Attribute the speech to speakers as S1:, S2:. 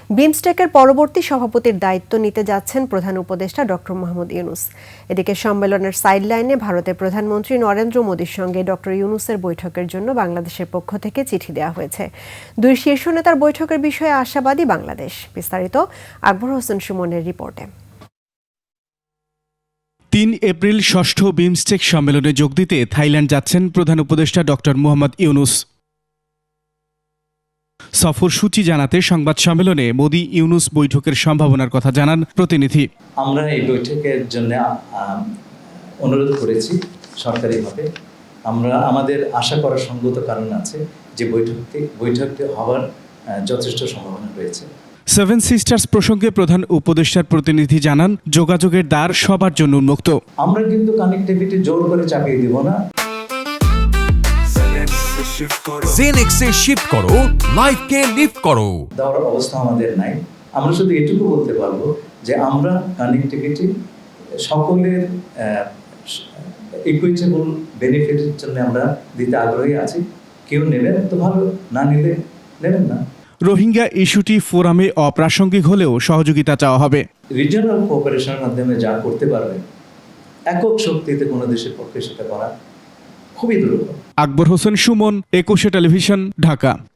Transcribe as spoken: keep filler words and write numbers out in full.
S1: বিমস্টেকের পরবর্তী সভাপতির দায়িত্ব নিতে যাচ্ছেন প্রধান উপদেষ্টা ডক্টর মোহাম্মদ ইউনূস। এদিকে সম্মেলনের সাইডলাইনে ভারতের প্রধানমন্ত্রী নরেন্দ্র মোদির সঙ্গে ডক্টর ইউনূসের বৈঠকের জন্য বাংলাদেশের পক্ষ থেকে চিঠি দেওয়া হয়েছে। দুই শীর্ষ নেতার বৈঠকের বিষয়ে আশাবাদী বাংলাদেশ। বিস্তারিত আকবর হোসেন সুমনের রিপোর্টে।
S2: তিন এপ্রিল ষষ্ঠ বিমস্টেক সম্মেলনে যোগ দিতে থাইল্যান্ড যাচ্ছেন প্রধান উপদেষ্টা ডক্টর মোহাম্মদ ইউনূস। সফর সূচি জানাতে সংবাদ সম্মেলনে মোদি ইউনূস বৈঠকের সম্ভাবনার কথা জানান প্রতিনিধি।
S3: আমরা এই বৈঠকের জন্য অনুরোধ করেছি সরকারিভাবে। আমরা আমাদের আশা করার সঙ্গত কারণ আছে যে বৈঠকটি বৈঠকটি হওয়ার যথেষ্ট সম্ভাবনা রয়েছে।
S2: সেভেন সিস্টার্স প্রসঙ্গে প্রধান উপদেষ্টার প্রতিনিধি জানান, যোগাযোগের দ্বার সবার জন্য উন্মুক্ত।
S3: আমরা কিন্তু কানেক্টিভিটি জোর করে চাপিয়ে দিব না।
S4: জেনেক্সে শিফট করো, লাইফকে লিফট করো।
S3: দেওয়ার অবস্থা আমাদের নাই। আমরা শুধু এটুকু বলতে পারবো যে আমরা কানেক্টিভিটি সকলের ইকুইটেবল বেনিফিটের জন্য আমরা দিতে আগ্রহী আছি। কেউ নেবেন তো ভালো, না নিলে নেবেন না।
S2: রোহিঙ্গা ইস্যুটি ফোরামে অপ্রাসঙ্গিক হলেও সহযোগিতা চাওয়া হবে।
S3: রিজিওনাল কোঅপারেশনের মাধ্যমে যা করতে পারবে, একক শক্তিতে কোনো দেশের পক্ষে সেটা করা খুবই দুর্লভ।
S2: আকবর হোসেন সুমন, একুশে টেলিভিশন, ঢাকা।